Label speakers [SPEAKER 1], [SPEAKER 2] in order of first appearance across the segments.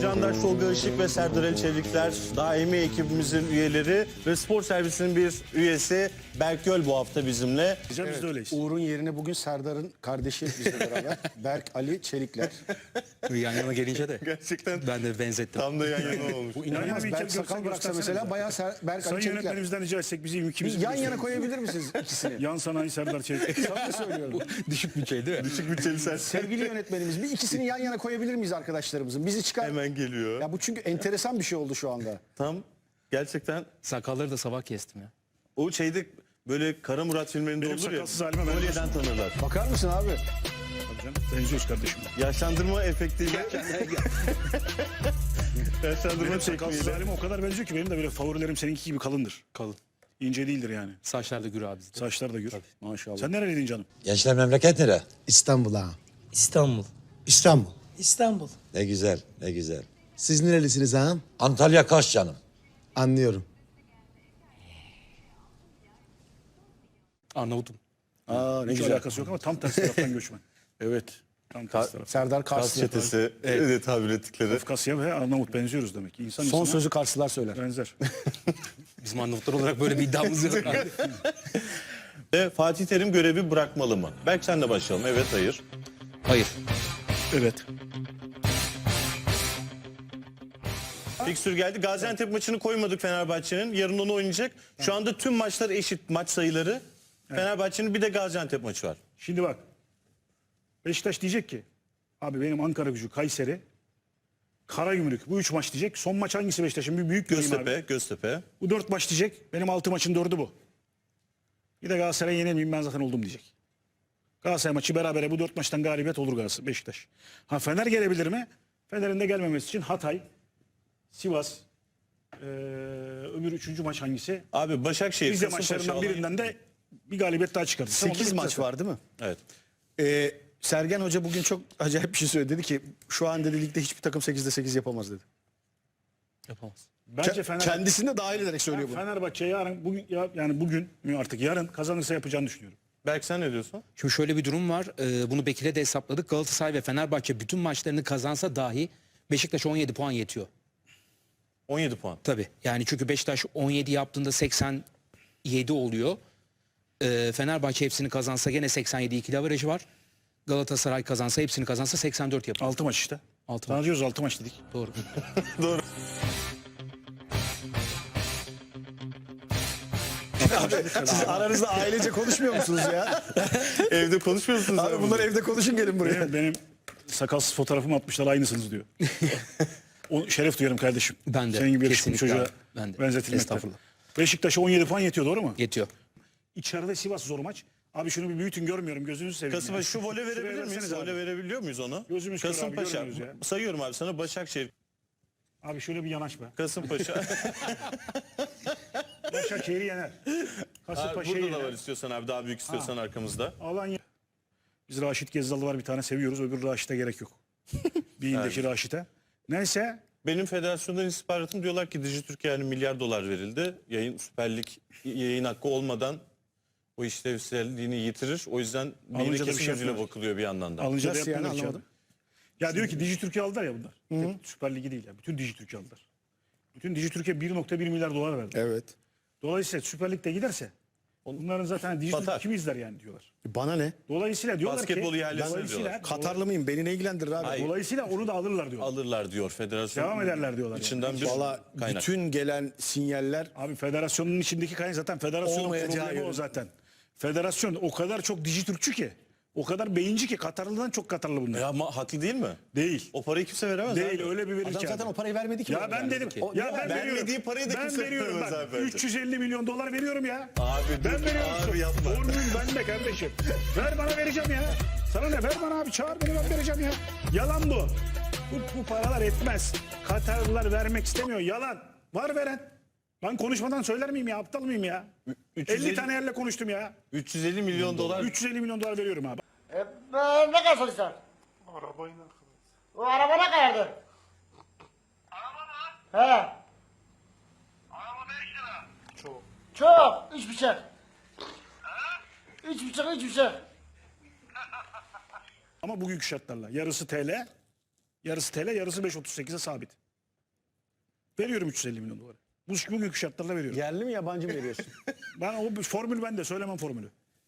[SPEAKER 1] Candaş Tolga Işık ve Serdar Ali Çevikler daimi ekibimizin üyeleri ve spor servisinin bir üyesi Berk Göl bu hafta bizimle.
[SPEAKER 2] Biz de öyleyiz.
[SPEAKER 3] Uğur'un yerine bugün Serdar'ın kardeşi bizle beraber. Berk Ali Çelikler.
[SPEAKER 4] Yan yana gelince de
[SPEAKER 1] Gerçekten
[SPEAKER 4] ben de benzettim.
[SPEAKER 1] tam da yan yana olmuş.
[SPEAKER 3] Bu inanılmaz.
[SPEAKER 2] bir
[SPEAKER 3] Berk
[SPEAKER 2] kere
[SPEAKER 3] sakal
[SPEAKER 2] görsel
[SPEAKER 3] bıraksa
[SPEAKER 2] göstersenize.
[SPEAKER 3] mesela bayağı Berk
[SPEAKER 2] Sayın
[SPEAKER 3] Ali Çelikler.
[SPEAKER 2] yönetmenimizden rica etsek bizi ikimizi
[SPEAKER 3] Yan yana koyabilir misiniz ikisini?
[SPEAKER 2] Yan sanayi Serdar Çelik.
[SPEAKER 3] Sana söylüyorum.
[SPEAKER 4] Düşük bütçe değil mi?
[SPEAKER 1] Küçük bütçeli sen
[SPEAKER 3] Sevgili yönetmenimiz bir ikisini yan yana koyabilir miyiz arkadaşlarımızın? Bizi çıkar.
[SPEAKER 1] hemen geliyor.
[SPEAKER 3] Ya bu çünkü enteresan bir şey oldu şu anda.
[SPEAKER 1] Tam gerçekten
[SPEAKER 4] Sakalları da sabah kestim ya.
[SPEAKER 1] o şeyde böyle Kara Murat filmlerinde
[SPEAKER 2] Benim
[SPEAKER 1] olur ya.
[SPEAKER 2] sakalsız halime ben
[SPEAKER 1] Kolyeden tanırlar.
[SPEAKER 3] Bakar mısın abi?
[SPEAKER 2] Tabii canım, benziyoruz kardeşim.
[SPEAKER 1] Yaşlandırma efektiyle. Yaşlandırma
[SPEAKER 2] Benim sakalsız
[SPEAKER 1] tekniğiyle.
[SPEAKER 2] halime o kadar benziyor ki benim de böyle favorilerim seninki gibi kalındır.
[SPEAKER 4] Kalın.
[SPEAKER 2] İnce değildir yani.
[SPEAKER 4] Saçlar da gür abi bizde.
[SPEAKER 2] Saçlar da gür.
[SPEAKER 3] Maşallah.
[SPEAKER 2] Sen nereliydin canım?
[SPEAKER 5] Gençler memleket nere?
[SPEAKER 6] İstanbul ha.
[SPEAKER 7] İstanbul.
[SPEAKER 6] İstanbul.
[SPEAKER 7] İstanbul.
[SPEAKER 5] Ne güzel, ne güzel.
[SPEAKER 6] Siz nerelisiniz ağam?
[SPEAKER 5] Antalya Kaş canım.
[SPEAKER 6] Anlıyorum.
[SPEAKER 4] Arnavut'um.
[SPEAKER 3] Aa ne
[SPEAKER 2] Hiç
[SPEAKER 3] güzel.
[SPEAKER 2] alakası yok ama tam tersi taraftan göçmen.
[SPEAKER 3] Evet.
[SPEAKER 2] Tam tersi taraf.
[SPEAKER 3] Serdar
[SPEAKER 1] Kars
[SPEAKER 3] Karslı.
[SPEAKER 1] çetesi öyle tabir ettikleri.
[SPEAKER 2] Kafkasya ve Arnavut benziyoruz demek. İnsan
[SPEAKER 3] Son
[SPEAKER 2] insana
[SPEAKER 3] sözü Karslılar söyler.
[SPEAKER 2] benzer.
[SPEAKER 4] Bizim Arnavutlar olarak böyle bir iddiamız yok.
[SPEAKER 1] Ve Fatih Terim görevi bırakmalı mı? Belki sen de başlayalım. Evet, hayır.
[SPEAKER 4] Hayır.
[SPEAKER 2] Evet.
[SPEAKER 1] Fikstür geldi. Gaziantep maçını koymadık Fenerbahçe'nin. Yarın onu oynayacak. Şu anda tüm maçlar eşit maç sayıları. Fenerbahçe'nin bir de Gaziantep maçı var.
[SPEAKER 2] Şimdi bak. Beşiktaş diyecek ki abi benim Ankaragücü, Kayseri, Karagümrük bu 3 maç diyecek. Son maç hangisi Beşiktaş'ın? Bir büyük göreyim abi.
[SPEAKER 1] Göztepe.
[SPEAKER 2] Bu 4 maç diyecek. Benim 6 maçın 4'ü bu. Bir de Galatasaray'ı yenemeyeyim ben zaten oldum diyecek. Galatasaray maçı berabere bu 4 maçtan galibiyet olur Galatasaray, Beşiktaş. Ha Fener gelebilir mi? Fener'in de gelmemesi için Hatay, Sivas, öbür 3. maç hangisi?
[SPEAKER 1] Abi Başakşehir,
[SPEAKER 2] Rize
[SPEAKER 1] Kasımpaşa,
[SPEAKER 2] maçlarından
[SPEAKER 1] Alanya.
[SPEAKER 2] birinden de bir galibiyet daha çıkardı.
[SPEAKER 3] 8 maç var değil mi?
[SPEAKER 1] Evet.
[SPEAKER 3] Sergen Hoca bugün çok acayip bir şey söyledi. Dedi ki şu an dedi ligde hiçbir takım 8'de 8 yapamaz dedi.
[SPEAKER 4] Yapamaz.
[SPEAKER 2] Bence Fener...
[SPEAKER 3] Kendisini de dahil ederek söylüyor bunu.
[SPEAKER 2] Fenerbahçe yarın bugün yani bugün mü artık yarın kazanırsa yapacağını düşünüyorum.
[SPEAKER 1] Belki sen ne diyorsun?
[SPEAKER 4] Şimdi şöyle bir durum var. Bunu Bekir'e de hesapladık. Galatasaray ve Fenerbahçe bütün maçlarını kazansa dahi Beşiktaş'a 17 puan yetiyor.
[SPEAKER 1] 17 puan.
[SPEAKER 4] Tabii. Yani çünkü Beşiktaş 17 yaptığında 87 oluyor. Fenerbahçe hepsini kazansa gene 87 ikili averajı var. Galatasaray kazansa hepsini kazansa 84 yapar.
[SPEAKER 2] 6 maç işte.
[SPEAKER 4] Altı
[SPEAKER 2] Sana
[SPEAKER 4] maç.
[SPEAKER 2] diyoruz 6 maç dedik.
[SPEAKER 4] Doğru.
[SPEAKER 3] Siz aranızda ailece konuşmuyor musunuz ya?
[SPEAKER 1] Evde konuşmuyor musunuz?
[SPEAKER 3] Abi bunlar evde konuşun gelin buraya.
[SPEAKER 2] Benim sakalsız fotoğrafımı atmışlar aynısınız diyor. O şeref duyarım kardeşim.
[SPEAKER 4] Ben de,
[SPEAKER 2] Senin gibi yakışıklı
[SPEAKER 4] kesinlikle
[SPEAKER 2] çocuğa
[SPEAKER 4] abi, ben de.
[SPEAKER 2] benzetilmekte.
[SPEAKER 4] Estağfurullah.
[SPEAKER 2] Beşiktaş'a 17 puan yetiyor doğru mu?
[SPEAKER 4] Yetiyor.
[SPEAKER 2] İçeride Sivas zor maç. Abi şunu bir büyütün görmüyorum gözünüzü seveyim.
[SPEAKER 1] Kasımpaşa şu vole verebilir
[SPEAKER 2] Şuraya
[SPEAKER 1] miyiz?
[SPEAKER 2] verseniz abi.
[SPEAKER 1] Vole verebiliyor muyuz onu?
[SPEAKER 2] Gözümüz kör abi,
[SPEAKER 1] Kasımpaşa.
[SPEAKER 2] görmüyoruz ya.
[SPEAKER 1] Sayıyorum abi sana Başakşehir,
[SPEAKER 2] Abi şöyle bir yanaş be.
[SPEAKER 1] Kasımpaşa.
[SPEAKER 2] Başakşehir'i yener.
[SPEAKER 1] Abi
[SPEAKER 2] Kasımpaşa'yı
[SPEAKER 1] burada da var
[SPEAKER 2] yener.
[SPEAKER 1] istiyorsan abi daha büyük istiyorsan arkamızda.
[SPEAKER 2] Alanya. Biz Raşit Gezzal'ı var bir tane seviyoruz. Öbür Raşit'e gerek yok. Beyindeki Raşit'e. Neyse.
[SPEAKER 1] Benim federasyondan istihbaratım diyorlar ki Dijitürk'e yani milyar dolar verildi. Yayın Süper Lig yayın hakkı olmadan o işlevselliğini yitirir. O yüzden
[SPEAKER 2] Alınca
[SPEAKER 1] beyine
[SPEAKER 2] da bir
[SPEAKER 1] kesin
[SPEAKER 2] şey
[SPEAKER 1] gözüyle
[SPEAKER 2] yapmıyorlar.
[SPEAKER 1] bakılıyor bir yandan da.
[SPEAKER 2] Alınca da
[SPEAKER 3] Nasıl yani,
[SPEAKER 2] yapmıyorlar ki
[SPEAKER 3] anlamadım.
[SPEAKER 2] adam. Ya diyor ki Dijitürk'ü aldılar ya bunlar. Tek Süper Ligi değil ya. Bütün Dijitürk'ü aldılar. Bütün Dijitürk'e 1,1 milyar dolar verdi.
[SPEAKER 3] Evet.
[SPEAKER 2] Dolayısıyla Süper Lig'de giderse bunların zaten Dijitürk
[SPEAKER 1] Batar.
[SPEAKER 2] kim izler yani diyorlar.
[SPEAKER 3] Bana ne?
[SPEAKER 2] Dolayısıyla diyorlar
[SPEAKER 1] Basketbol
[SPEAKER 2] ki
[SPEAKER 1] ihalesine diyorlar.
[SPEAKER 3] Katarlı mıyım? Beni ne ilgilendirir abi?
[SPEAKER 1] Hayır.
[SPEAKER 2] dolayısıyla onu da alırlar diyorlar.
[SPEAKER 1] Alırlar diyor federasyon.
[SPEAKER 2] Devam ederler diyorlar
[SPEAKER 1] İçinden bir
[SPEAKER 3] Valla
[SPEAKER 1] kaynak.
[SPEAKER 3] bütün gelen sinyaller
[SPEAKER 2] Abi federasyonun içindeki kaynak zaten federasyonun
[SPEAKER 3] Olmayacağı
[SPEAKER 2] problemi o
[SPEAKER 3] yönü.
[SPEAKER 2] zaten. Federasyon o kadar çok Dijitürkçü ki. O kadar beyinci ki Katarlı'dan çok Katarlı bunlar.
[SPEAKER 1] Ya ama haklı değil mi?
[SPEAKER 2] Değil.
[SPEAKER 1] O parayı kimse veremez
[SPEAKER 2] Değil
[SPEAKER 1] abi.
[SPEAKER 2] öyle bir verir
[SPEAKER 3] adam
[SPEAKER 2] ki
[SPEAKER 3] zaten
[SPEAKER 2] abi.
[SPEAKER 3] o parayı vermedi ki.
[SPEAKER 2] Ya
[SPEAKER 3] bana
[SPEAKER 2] ben
[SPEAKER 3] yani.
[SPEAKER 2] dedim.
[SPEAKER 3] O-
[SPEAKER 2] Ya ben
[SPEAKER 1] vermediği
[SPEAKER 2] veriyorum.
[SPEAKER 1] parayı da
[SPEAKER 2] Ben
[SPEAKER 1] kimse
[SPEAKER 2] veriyorum
[SPEAKER 1] veremez
[SPEAKER 2] bak.
[SPEAKER 1] abi bence.
[SPEAKER 2] 350 milyon dolar veriyorum ya.
[SPEAKER 1] Abi
[SPEAKER 2] Ben
[SPEAKER 1] dur,
[SPEAKER 2] veriyorum.
[SPEAKER 1] abi yapma.
[SPEAKER 2] Formül bende kardeşim. Ver bana vereceğim ya. Sana ne ver bana abi çağır beni ben vereceğim ya. Yalan bu. Bu paralar etmez. Katarlılar vermek istemiyor. Yalan. Var veren. Ben konuşmadan söyler miyim ya? Aptal mıyım ya? 50 tane yerle konuştum ya.
[SPEAKER 1] 350 milyon dolar.
[SPEAKER 2] 350 milyon dolar veriyorum abi.
[SPEAKER 8] Ne kadar çalışsan?
[SPEAKER 2] Arabayla.
[SPEAKER 8] O araba ne kadardı?
[SPEAKER 9] Araba mı?
[SPEAKER 8] He.
[SPEAKER 9] Araba 5 lira.
[SPEAKER 8] Çok. 3,5. 3,5.
[SPEAKER 2] Ama bugünkü şartlarla. Yarısı TL, Yarısı TL, yarısı 5.38'e sabit. Veriyorum 350 milyon doları. Bugünkü şartlarla veriyorum.
[SPEAKER 3] Yerli mi yabancı mı veriyorsun?
[SPEAKER 2] Ben o formül bende, söylemem formülü.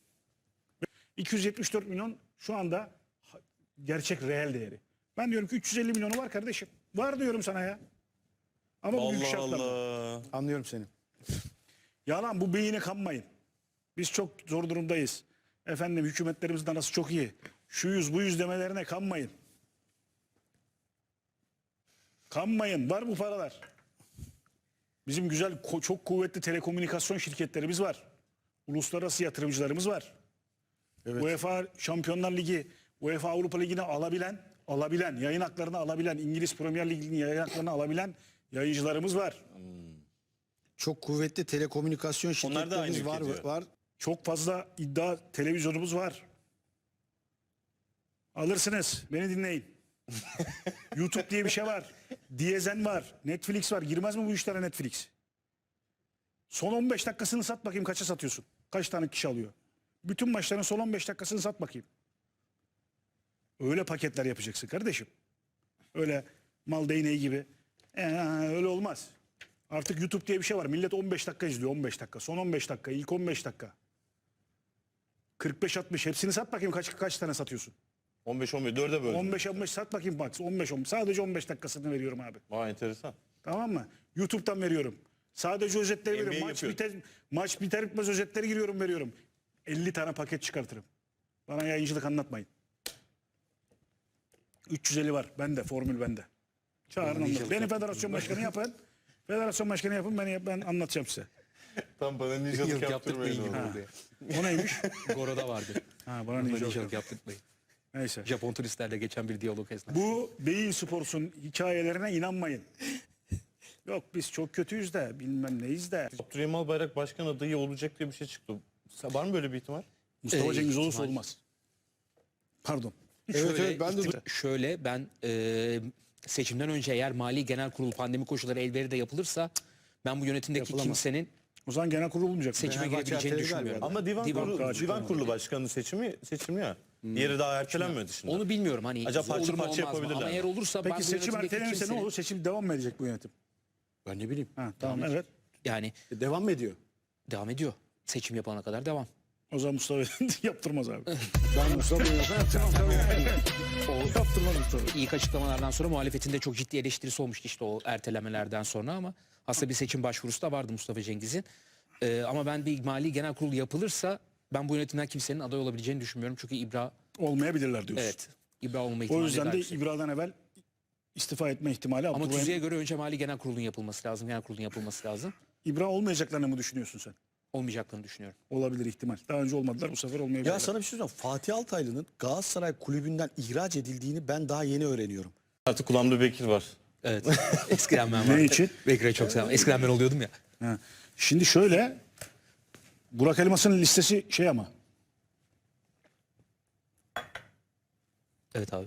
[SPEAKER 2] 274 milyon şu anda gerçek reel değeri. Ben diyorum ki 350 milyonu var kardeşim. Var diyorum sana ya. Ama bugünkü
[SPEAKER 1] Allah
[SPEAKER 2] şartlarla.
[SPEAKER 1] Allah.
[SPEAKER 3] Anlıyorum seni.
[SPEAKER 2] Yalan, bu beyine kanmayın. Biz çok zor durumdayız. Efendim hükümetlerimizin arası çok iyi. Şu yüz bu yüz demelerine kanmayın. Kanmayın. Var bu paralar. Bizim güzel çok kuvvetli telekomünikasyon şirketlerimiz var. Uluslararası yatırımcılarımız var. UEFA Şampiyonlar Ligi, UEFA Avrupa Ligi'ni alabilen, yayın haklarını alabilen, İngiliz Premier Ligi'nin yayın haklarını alabilen yayıncılarımız var.
[SPEAKER 3] Çok kuvvetli telekomünikasyon
[SPEAKER 1] Onlar da aynı
[SPEAKER 3] şirketlerimiz
[SPEAKER 1] ülke diyor.
[SPEAKER 3] var.
[SPEAKER 2] Çok fazla iddia televizyonumuz var. Alırsınız. Beni dinleyin. YouTube diye bir şey var. Diyezen var. Netflix var. Girmez mi bu işlere Netflix? Son 15 dakikasını sat bakayım kaça satıyorsun? Kaç tane kişi alıyor? Bütün maçların son 15 dakikasını sat bakayım. Öyle paketler yapacaksın kardeşim. Öyle mal değneği gibi. Öyle olmaz. Artık YouTube diye bir şey var. Millet 15 dakika izliyor. 15 dakika. Son 15 dakika. İlk 15 dakika. 45-60. Hepsini sat bakayım kaç tane satıyorsun?
[SPEAKER 1] 15-15 4'e böldüm.
[SPEAKER 2] 15-15 sat bakayım bak. 15-15. Sadece 15 dakikasını veriyorum abi.
[SPEAKER 1] Vay enteresan.
[SPEAKER 2] Tamam mı? YouTube'dan veriyorum. Sadece özetleri
[SPEAKER 1] NBA
[SPEAKER 2] veriyorum.
[SPEAKER 1] yapıyor.
[SPEAKER 2] Maç biter bitmez özetleri giriyorum veriyorum. 50 tane paket çıkartırım. Bana yayıncılık anlatmayın. 350 var. Bende. Formül bende. Çağırın anlatın. Beni federasyon başkanı yapın. Federasyon başkanı yapın. Ben anlatacağım size.
[SPEAKER 1] Tam bana ninjalık yaptırmayın.
[SPEAKER 2] O neymiş?
[SPEAKER 4] Goro'da vardı.
[SPEAKER 2] Ha, bana ninja
[SPEAKER 4] Ninjalık yaptırmayın.
[SPEAKER 2] Neyse.
[SPEAKER 4] Japon turistlerle geçen bir diyalog esnasında.
[SPEAKER 2] Bu Beyin Sports'un hikayelerine inanmayın. Yok biz çok kötüyüz de bilmem neyiz de.
[SPEAKER 1] Abdurrahim Albayrak başkan adayı olacak diye bir şey çıktı. Var mı böyle bir ihtimal?
[SPEAKER 2] Mustafa Cengiz olursa
[SPEAKER 4] ihtimal.
[SPEAKER 2] olmaz. Pardon.
[SPEAKER 4] Şöyle ben seçimden önce eğer Mali Genel Kurul pandemi koşulları el verir de yapılırsa ben bu yönetimdeki
[SPEAKER 2] Yapılamaz.
[SPEAKER 4] kimsenin
[SPEAKER 2] O zaman genel kurul olmayacak.
[SPEAKER 4] seçime
[SPEAKER 3] Fenerbahçe
[SPEAKER 4] girebileceğini
[SPEAKER 3] erteledi
[SPEAKER 4] düşünmüyorum.
[SPEAKER 1] Ama divan kurulu başkanı seçimi ya. Diğeri daha ertelenmedi şimdi.
[SPEAKER 4] Onu bilmiyorum hani
[SPEAKER 1] Acaba parça
[SPEAKER 4] olur mu
[SPEAKER 1] parça
[SPEAKER 4] olmaz mı?
[SPEAKER 1] yapabilirler
[SPEAKER 4] Ama
[SPEAKER 1] mi?
[SPEAKER 4] eğer olursa ben
[SPEAKER 2] Peki
[SPEAKER 4] bu
[SPEAKER 2] seçim
[SPEAKER 4] yönetimdeki
[SPEAKER 2] ertelenirse ne
[SPEAKER 4] kimsenin
[SPEAKER 2] olur? Seçim devam mı edecek bu yönetim?
[SPEAKER 3] Ben ne bileyim.
[SPEAKER 2] Ha, tamam evet.
[SPEAKER 4] yani
[SPEAKER 3] Devam mı ediyor?
[SPEAKER 4] devam ediyor. Seçim yapana kadar devam.
[SPEAKER 2] O zaman Mustafa yaptırmaz abi.
[SPEAKER 3] Ben Mustafa yaptırmam tabii.
[SPEAKER 2] Yaptırmaz Mustafa.
[SPEAKER 4] İlk açıklamalardan sonra muhalefetin de çok ciddi eleştirisi olmuştu işte o ertelemelerden sonra ama aslında bir seçim başvurusu da vardı Mustafa Cengiz'in. Ama ben bir Mali Genel Kurulu yapılırsa ben bu yönetimden kimsenin aday olabileceğini düşünmüyorum. Çünkü İbra
[SPEAKER 2] Olmayabilirler diyorsun.
[SPEAKER 4] evet İbra olma
[SPEAKER 2] O
[SPEAKER 4] ihtimali
[SPEAKER 2] yüzden
[SPEAKER 4] daha
[SPEAKER 2] de
[SPEAKER 4] yüksek.
[SPEAKER 2] İbra'dan evvel istifa etme ihtimali.
[SPEAKER 4] Ama
[SPEAKER 2] Abdurrahim-
[SPEAKER 4] tüzüğe göre önce Mali Genel Kurulu'nun yapılması lazım. Genel Kurulu'nun yapılması lazım.
[SPEAKER 2] İbra olmayacaklarını mı düşünüyorsun sen?
[SPEAKER 4] Olmayacaklarını düşünüyorum.
[SPEAKER 2] Olabilir ihtimal. Daha önce olmadılar bu sefer olmayabilirler.
[SPEAKER 3] Ya sana bir şey söyleyeyim. Fatih Altaylı'nın Galatasaray kulübünden ihraç edildiğini ben daha yeni öğreniyorum.
[SPEAKER 1] Artık kulağımda Bekir var.
[SPEAKER 4] Evet. Eskiden ben vardım.
[SPEAKER 2] Ne için?
[SPEAKER 4] Bekir'e çok selam. Eskiden ben oluyordum ya.
[SPEAKER 2] Ha. Şimdi şöyle Burak Elmas'ın listesi şey ama
[SPEAKER 4] Evet abi.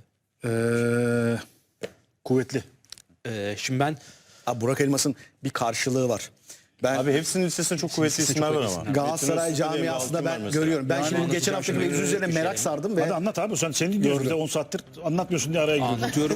[SPEAKER 2] Kuvvetli.
[SPEAKER 4] Şimdi ben
[SPEAKER 3] Abi Burak Elmas'ın bir karşılığı var. Ben
[SPEAKER 1] Abi hepsinin listesinde çok kuvvetli
[SPEAKER 4] listesinde
[SPEAKER 1] isimler
[SPEAKER 4] çok
[SPEAKER 1] var
[SPEAKER 4] kuvvetli
[SPEAKER 1] ama.
[SPEAKER 4] isimler.
[SPEAKER 3] Galatasaray
[SPEAKER 1] Metin Öztürk'e de
[SPEAKER 3] camiasında
[SPEAKER 1] altın var
[SPEAKER 3] ben
[SPEAKER 1] mesela.
[SPEAKER 3] görüyorum. Ben
[SPEAKER 2] Yani
[SPEAKER 3] şimdi geçen
[SPEAKER 4] anlatacağım
[SPEAKER 3] hafta
[SPEAKER 4] şimdi
[SPEAKER 3] mevzu üzerine
[SPEAKER 4] bir
[SPEAKER 3] merak
[SPEAKER 4] şey.
[SPEAKER 3] sardım ve
[SPEAKER 2] Hadi anlat abi sen seni dinliyoruz bir de 10 saattir anlatmıyorsun diye araya giriyorsun.
[SPEAKER 4] anlatıyorum.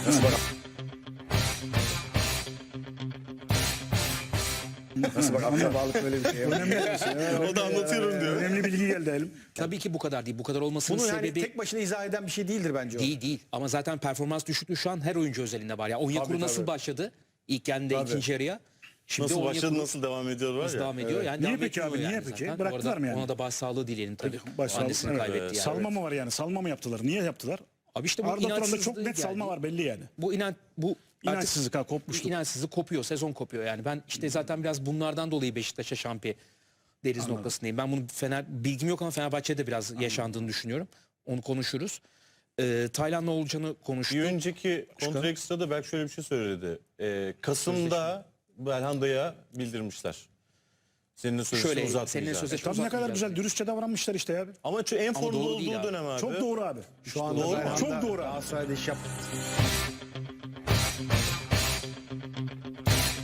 [SPEAKER 3] nasıl bak aklına bağlı böyle bir şey.
[SPEAKER 1] O da anlatıyorum diyor.
[SPEAKER 2] Önemli bilgi geldi elim.
[SPEAKER 4] Tabii ki bu kadar değil. Bu kadar olmasının
[SPEAKER 3] Bunu yani
[SPEAKER 4] sebebi
[SPEAKER 3] tek başına izah eden bir şey değildir bence o.
[SPEAKER 4] değil. Ama zaten performans düşüklüğü şu an her oyuncu özelinde var. Ya Onyekuru nasıl başladı? İlk yarıda ikinci yarıya. Şimdi
[SPEAKER 1] Nasıl
[SPEAKER 4] Onyekuru
[SPEAKER 1] başladı nasıl devam ediyor var ya.
[SPEAKER 4] devam ediyor. Yani
[SPEAKER 2] Niye
[SPEAKER 4] devam
[SPEAKER 2] peki
[SPEAKER 4] etmiyor
[SPEAKER 2] abi, niye
[SPEAKER 4] yani
[SPEAKER 2] peki?
[SPEAKER 4] zaten.
[SPEAKER 2] Bıraktılar
[SPEAKER 4] Bu arada
[SPEAKER 2] mı yani?
[SPEAKER 4] Ona da başsağlığı dileyelim tabii.
[SPEAKER 2] Başsağlığı,
[SPEAKER 4] Annesini
[SPEAKER 2] evet.
[SPEAKER 4] kaybetti yani.
[SPEAKER 2] Salma mı var yani? Salma mı yaptılar? Niye yaptılar?
[SPEAKER 4] Abi işte bu
[SPEAKER 2] Arda Turan'da çok
[SPEAKER 4] inançsızlığı
[SPEAKER 2] net salma
[SPEAKER 4] yani.
[SPEAKER 2] var belli yani.
[SPEAKER 4] Bu
[SPEAKER 2] İnançsızlık ha, kopmuşluk.
[SPEAKER 4] İnançsızlık kopuyor. Sezon kopuyor yani. Ben işte zaten biraz bunlardan dolayı Beşiktaş'a şampiyon deriz noktasındayım. Ben bunu bilgim yok ama Fenerbahçe'de biraz yaşandığını düşünüyorum. Onu konuşuruz. Tayland'la olacağını konuştuk.
[SPEAKER 1] Bir önceki kontraksta da belki şöyle bir şey söyledi. Kasım'da Belhanda'ya bildirmişler. Seninle sözleşme
[SPEAKER 4] Şöyle,
[SPEAKER 1] uzatmayacağız.
[SPEAKER 4] seninle sözleşme
[SPEAKER 2] Tam ne kadar
[SPEAKER 4] uzatmayacağız
[SPEAKER 2] güzel
[SPEAKER 4] diye.
[SPEAKER 2] dürüstçe davranmışlar işte ya.
[SPEAKER 1] Ama en formda
[SPEAKER 4] doğru değil
[SPEAKER 1] olduğu
[SPEAKER 4] abi.
[SPEAKER 1] dönem abi.
[SPEAKER 2] Çok doğru abi.
[SPEAKER 3] Şu anda
[SPEAKER 1] Doğru mu?
[SPEAKER 3] Belhanda
[SPEAKER 2] Çok doğru abi.
[SPEAKER 3] Galatasaray'da iş yaptı.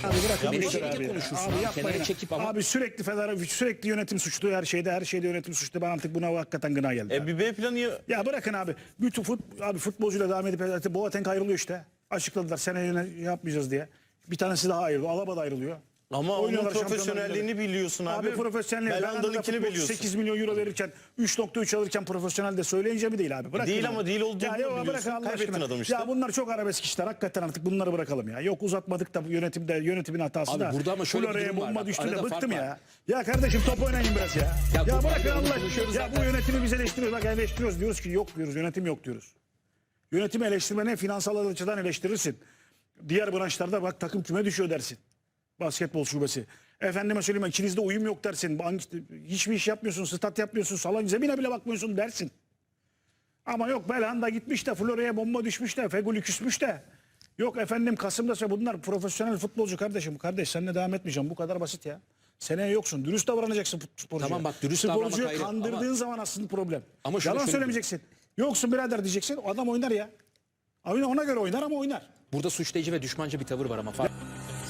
[SPEAKER 2] Abi bırakın
[SPEAKER 4] Ya
[SPEAKER 2] bu işleri
[SPEAKER 4] menajeriyle
[SPEAKER 2] abi.
[SPEAKER 4] konuşursun
[SPEAKER 2] Abi
[SPEAKER 4] abi,
[SPEAKER 2] yapmayın.
[SPEAKER 4] kenara çekip ama-
[SPEAKER 2] Abi sürekli yönetim suçlu her şeyde yönetim suçlu. Ben artık buna hakikaten gına geldi. abi.
[SPEAKER 1] Bir B planı
[SPEAKER 2] Ya bırakın abi. Bütün futbolcuyla devam edip Boateng ayrılıyor işte. Açıkladılar seneye yapmayacağız diye. Bir tanesi daha ayrılıyor. Alaba da ayrılıyor.
[SPEAKER 1] ama onun
[SPEAKER 2] Oynuyorlar Şampiyonlar
[SPEAKER 1] profesyonelliğini
[SPEAKER 2] Ligi'nde.
[SPEAKER 1] biliyorsun abi.
[SPEAKER 2] Abi profesyonel.
[SPEAKER 1] Belhanda'nınkini biliyorsun.
[SPEAKER 2] 8 milyon euro verirken 3.3 alırken profesyonel de söyleyince mi değil abi? Bırakın
[SPEAKER 1] Değil
[SPEAKER 2] abi.
[SPEAKER 1] ama değil olduğunu
[SPEAKER 2] Ya yok,
[SPEAKER 1] biliyorsun.
[SPEAKER 2] bırakın Allah
[SPEAKER 1] Kaybettin
[SPEAKER 2] aşkına.
[SPEAKER 1] adam işte.
[SPEAKER 2] Ya bunlar çok arabesk işler. Hakikaten artık bunları bırakalım ya. Yok uzatmadık da yönetimin hatası
[SPEAKER 4] Abi
[SPEAKER 2] da.
[SPEAKER 4] burada ama şöyle bir
[SPEAKER 2] Flora'ya
[SPEAKER 4] durum var.
[SPEAKER 2] bomba
[SPEAKER 4] Bak,
[SPEAKER 2] düştü de
[SPEAKER 4] arada
[SPEAKER 2] bıktım
[SPEAKER 4] fark
[SPEAKER 2] ya.
[SPEAKER 4] var.
[SPEAKER 2] Ya kardeşim top oynayın biraz ya.
[SPEAKER 4] Ya
[SPEAKER 2] Ya
[SPEAKER 4] top
[SPEAKER 2] bırakın
[SPEAKER 4] oynayalım,
[SPEAKER 2] Allah.
[SPEAKER 4] konuşuyoruz
[SPEAKER 2] Ya bu
[SPEAKER 4] zaten.
[SPEAKER 2] yönetimi biz eleştiriyoruz. Bak eleştiriyoruz. Diyoruz ki yok diyoruz. Yönetim yok diyoruz. Yönetimi eleştirmene finansal açıdan eleştirirsin. Diğer branşlarda bak takım küme düşüyor dersin. Basketbol şubesi. Efendime söyleyeyim ikinizde uyum yok dersin. Hiçbir iş yapmıyorsun, stat yapmıyorsun, salon zemine bile bakmıyorsun dersin. Ama yok Belhanda gitmiş de Florya'ya bomba düşmüş de Feguli küsmüş de. Yok efendim Kasım'da bunlar profesyonel futbolcu kardeşim. Kardeş seninle devam etmeyeceğim. Bu kadar basit ya. Seneye yoksun. Dürüst davranacaksın sporcuya.
[SPEAKER 4] Tamam bak, dürüst davranmak
[SPEAKER 2] Sporcuyu
[SPEAKER 4] ayrı
[SPEAKER 2] kandırdığın
[SPEAKER 4] ama-
[SPEAKER 2] zaman aslında problem.
[SPEAKER 4] Ama şunu
[SPEAKER 2] Yalan
[SPEAKER 4] söyleyeyim.
[SPEAKER 2] söylemeyeceksin. Yoksun birader diyeceksin. O adam oynar ya. Ona göre oynar ama oynar.
[SPEAKER 4] Burada suçlayıcı ve düşmanca bir tavır var ama fark.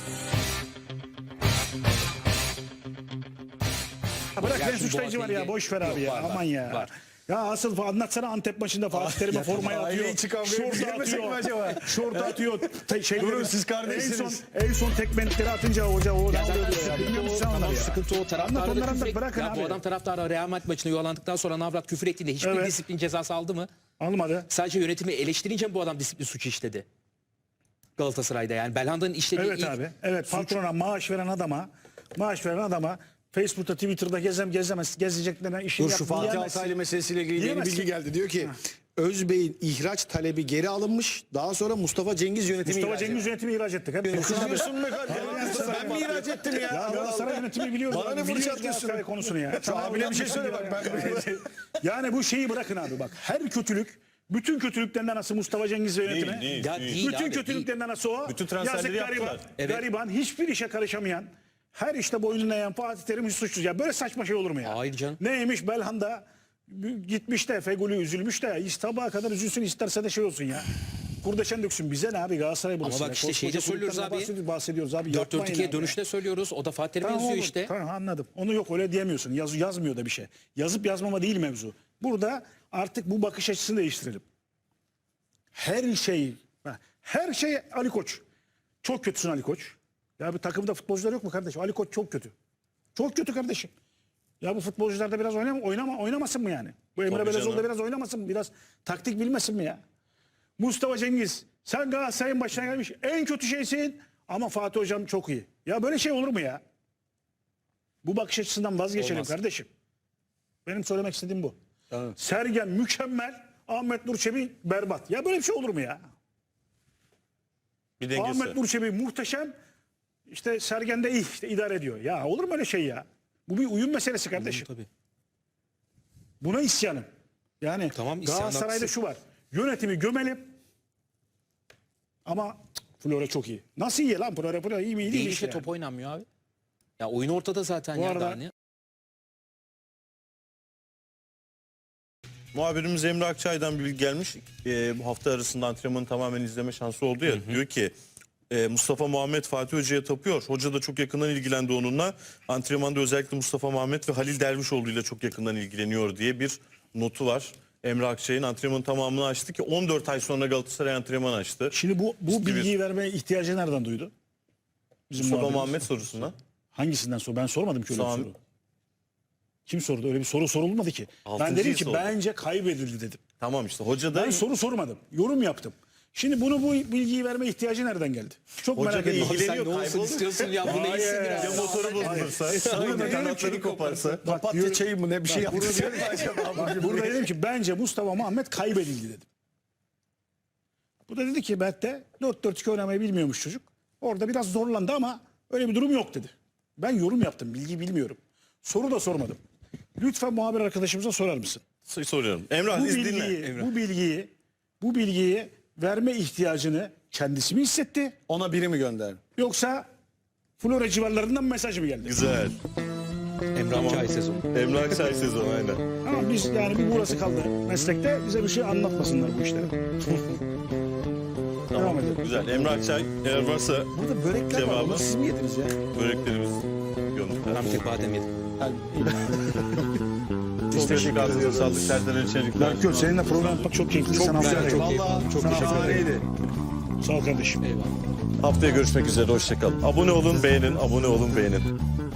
[SPEAKER 2] Ya bırak
[SPEAKER 4] Ya
[SPEAKER 2] ben
[SPEAKER 4] şimdi
[SPEAKER 2] suçlayıcı var ya.
[SPEAKER 4] Boateng'i-
[SPEAKER 2] Boş ver abi
[SPEAKER 4] Yok,
[SPEAKER 2] ya.
[SPEAKER 4] var,
[SPEAKER 2] Aman ya.
[SPEAKER 4] var.
[SPEAKER 2] Ya asıl anlatsana Antep maçında Fatih Terim'e formaya atıyor.
[SPEAKER 3] aileyi çıkan böyle
[SPEAKER 2] Şortu
[SPEAKER 3] girmesek mi
[SPEAKER 2] atıyor.
[SPEAKER 3] acaba?
[SPEAKER 2] Şortu atıyor.
[SPEAKER 3] Durun, siz kardeşsiniz.
[SPEAKER 2] En son tekmelikleri atınca hoca o ne
[SPEAKER 4] Ya
[SPEAKER 2] oluyor
[SPEAKER 4] zaten
[SPEAKER 2] ya? Bilmiyor
[SPEAKER 4] sıkıntı o,
[SPEAKER 2] musun
[SPEAKER 4] tamam,
[SPEAKER 2] onları ya?
[SPEAKER 4] sıkıntı o
[SPEAKER 2] Anlat
[SPEAKER 4] taraftarı
[SPEAKER 2] onları
[SPEAKER 4] da
[SPEAKER 2] anlat,
[SPEAKER 4] küfür
[SPEAKER 2] bırakın
[SPEAKER 4] ya
[SPEAKER 2] abi.
[SPEAKER 4] bu adam taraftarı Real Madrid maçına yuvalandıktan sonra Navrat küfür ettiğinde hiçbir
[SPEAKER 2] Evet.
[SPEAKER 4] disiplin cezası aldı mı?
[SPEAKER 2] Almadı.
[SPEAKER 4] Sadece yönetimi eleştirince mi bu adam disiplin suçu işledi? Galatasaray'da yani Belhanda'nın işlediği
[SPEAKER 2] Evet
[SPEAKER 4] ilk
[SPEAKER 2] abi. Evet
[SPEAKER 4] suç-
[SPEAKER 2] patrona maaş veren adama Facebook'ta Twitter'da gezeceklerine işini
[SPEAKER 3] Dur şu
[SPEAKER 2] yapmayı
[SPEAKER 3] Fatih
[SPEAKER 2] diyemezsin.
[SPEAKER 3] Altaylı meselesiyle ilgili yeni
[SPEAKER 2] Diyemezsin.
[SPEAKER 3] bilgi geldi. Diyor ki Özbey'in ihraç talebi geri alınmış. Daha sonra Mustafa Cengiz yönetimi
[SPEAKER 2] Mustafa
[SPEAKER 3] ihraç
[SPEAKER 2] Cengiz yönetimi ihraç ettik. Hep
[SPEAKER 3] Kızıyorsun be kardeşim. Ben mi ihraç ettim ya?
[SPEAKER 2] Ya Galatasaray yönetimi biliyoruz.
[SPEAKER 3] Bana ne
[SPEAKER 2] Biliyoruz
[SPEAKER 3] fırça atıyorsun?
[SPEAKER 2] Galatasaray konusunu ya.
[SPEAKER 3] Şu abine bir şey söyle bak.
[SPEAKER 2] Yani bu şeyi bırakın abi bak. Her kötülük, bütün kötülüklerinden nasıl Mustafa Cengiz ve yönetimi?
[SPEAKER 1] Değil.
[SPEAKER 4] Ya değil
[SPEAKER 2] Bütün
[SPEAKER 4] abi,
[SPEAKER 2] kötülüklerinden nasıl o?
[SPEAKER 1] Bütün transferleri
[SPEAKER 2] Yazık gariban,
[SPEAKER 1] yaptılar.
[SPEAKER 4] Evet.
[SPEAKER 2] gariban, hiçbir işe karışamayan, her işte boynuna eğen Fatih Terim hiç suçsuz. Ya böyle saçma şey olur mu ya?
[SPEAKER 4] Hayır canım.
[SPEAKER 2] Neymiş Belhanda gitmiş de Feguli üzülmüş de sabaha kadar üzülsün isterse de şey olsun ya. Kurdeşen döksün bize ne abi Galatasaray burası.
[SPEAKER 4] Ama bak işte şeyde söylüyoruz abi.
[SPEAKER 2] Bahsediyoruz abi.
[SPEAKER 4] 4-4-2'ye
[SPEAKER 2] yapmayın abi.
[SPEAKER 4] dönüşte söylüyoruz. O da Fatih Terim
[SPEAKER 2] Tamam,
[SPEAKER 4] yazıyor
[SPEAKER 2] olur.
[SPEAKER 4] işte.
[SPEAKER 2] Tamam anladım. Onu yok öyle diyemiyorsun. Yazmıyor da bir şey. Yazıp yazmama değil mevzu. Burada artık bu bakış açısını değiştirelim. Her şey Ali Koç. Çok kötüsün Ali Koç. Ya bir takımda futbolcular yok mu kardeşim? Ali Koç çok kötü. Çok kötü kardeşim. Ya bu futbolcular da biraz oynamasın mı yani? Bu Emre
[SPEAKER 1] Tabii
[SPEAKER 2] Belezoğlu da
[SPEAKER 1] canım.
[SPEAKER 2] biraz oynamasın mı? Biraz taktik bilmesin mi ya? Mustafa Cengiz sen Galatasaray'ın başına gelmiş en kötü şeysin ama Fatih Hocam çok iyi. Ya böyle şey olur mu ya? Bu bakış açısından vazgeçelim
[SPEAKER 1] Olmaz.
[SPEAKER 2] kardeşim. Benim söylemek istediğim bu.
[SPEAKER 3] Tamam.
[SPEAKER 2] Sergen mükemmel, Ahmet Nur Çebi berbat. Ya böyle bir şey olur mu ya?
[SPEAKER 1] Bir dengesi.
[SPEAKER 2] Ahmet Nur Çebi muhteşem, işte Sergen de iyi, işte idare ediyor. Ya olur mu öyle şey ya? Bu bir uyum meselesi kardeşim.
[SPEAKER 4] Tabii.
[SPEAKER 2] Buna isyanım. Yani
[SPEAKER 4] Tamam, isyan
[SPEAKER 2] Galatasaray'da
[SPEAKER 4] haklısın.
[SPEAKER 2] şu var. Yönetimi gömelim ama Flora çok iyi. Nasıl iyi lan Flora iyi mi iyi
[SPEAKER 4] Değil
[SPEAKER 2] mi
[SPEAKER 4] işte
[SPEAKER 2] yani?
[SPEAKER 4] top oynanmıyor abi. Ya oyun ortada zaten
[SPEAKER 2] Bu
[SPEAKER 4] ya
[SPEAKER 2] arada-
[SPEAKER 4] daha ne?
[SPEAKER 1] Muhabirimiz Emre Akçay'dan bir bilgi gelmiş. Bu hafta arasında antrenmanı tamamen izleme şansı oldu ya. Diyor ki Mustafa Muhammed Fatih Hoca'ya tapıyor. Hoca da çok yakından ilgilendi onunla. Antrenmanda özellikle Mustafa Muhammed ve Halil Dervişoğlu ile çok yakından ilgileniyor diye bir notu var. Emre Akçay'ın antrenmanın tamamını açtı ki 14 ay sonra Galatasaray antrenman açtı.
[SPEAKER 2] Şimdi bu
[SPEAKER 1] İşte
[SPEAKER 2] bilgiyi vermeye ihtiyacı nereden duydu? Bizim
[SPEAKER 1] Mustafa
[SPEAKER 2] muhabirimiz.
[SPEAKER 1] Muhammed sorusundan.
[SPEAKER 2] Hangisinden sor? Ben sormadım ki öyle bir
[SPEAKER 1] Sami-
[SPEAKER 2] soru. Kim sordu? Öyle bir soru sorulmadı ki. Ben
[SPEAKER 1] Altıncıyı
[SPEAKER 2] dedim ki
[SPEAKER 1] sordu.
[SPEAKER 2] bence kaybedildi dedim.
[SPEAKER 1] Tamam işte hoca da
[SPEAKER 2] Ben soru sormadım. Yorum yaptım. Şimdi bu bilgiyi verme ihtiyacı nereden geldi? Çok
[SPEAKER 1] Hoca
[SPEAKER 2] merak
[SPEAKER 1] da
[SPEAKER 2] ediyorum.
[SPEAKER 1] ilgileniyor,
[SPEAKER 4] Sen ne olsun
[SPEAKER 1] kayboldu.
[SPEAKER 4] istiyorsun ya bu
[SPEAKER 2] Hayır.
[SPEAKER 4] neysin
[SPEAKER 2] Ya
[SPEAKER 4] ya?
[SPEAKER 1] motoru bozulursa,
[SPEAKER 2] Burada
[SPEAKER 1] kanatları koparsa.
[SPEAKER 3] Papatya çayı mı ne bir şey yaptı.
[SPEAKER 2] Burada dedim ki bence Mustafa Muhammed kaybedildi dedim. Bu da dedi ki Berk'te 4-4-2 oynamayı bilmiyormuş çocuk. Orada biraz zorlandı ama öyle bir durum yok dedi. Ben yorum yaptım. Bilgi bilmiyorum. Soru da sormadım. Lütfen muhabir arkadaşımıza sorar mısın?
[SPEAKER 1] Soruyorum. Emrah dinle.
[SPEAKER 2] Bu bilgiyi verme ihtiyacını kendisi mi hissetti?
[SPEAKER 3] Ona biri mi gönderdi?
[SPEAKER 2] Yoksa Flora civarlarından mesaj mı geldi?
[SPEAKER 1] Güzel.
[SPEAKER 4] Emre Akçay sezonu.
[SPEAKER 1] Emre Akçay sezonu aynen.
[SPEAKER 2] Ama biz yani bir burası kaldı meslekte bize bir şey anlatmasınlar bu işleri. Devam edelim.
[SPEAKER 1] Güzel. Emre Akçay eğer varsa
[SPEAKER 3] Burada börekler var.
[SPEAKER 1] Cevabı.
[SPEAKER 3] Onları siz mi yediniz ya?
[SPEAKER 1] böreklerimiz gönlümüzde.
[SPEAKER 4] Ben bir tek badem yedim.
[SPEAKER 1] Çok teşekkür ederiz. Sağlık Serdar Elçelikler.
[SPEAKER 2] Berkut seninle program yapmak çok keyifli.
[SPEAKER 3] Çok
[SPEAKER 2] Sana
[SPEAKER 3] güzel.
[SPEAKER 2] afiyet olsun.
[SPEAKER 3] Vallahi
[SPEAKER 2] Çok teşekkür
[SPEAKER 3] şahaneydi.
[SPEAKER 2] Sağ ol kardeşim.
[SPEAKER 4] Eyvallah.
[SPEAKER 1] Haftaya görüşmek üzere. Hoşçakalın. Abone olun, beğenin. Abone olun, beğenin.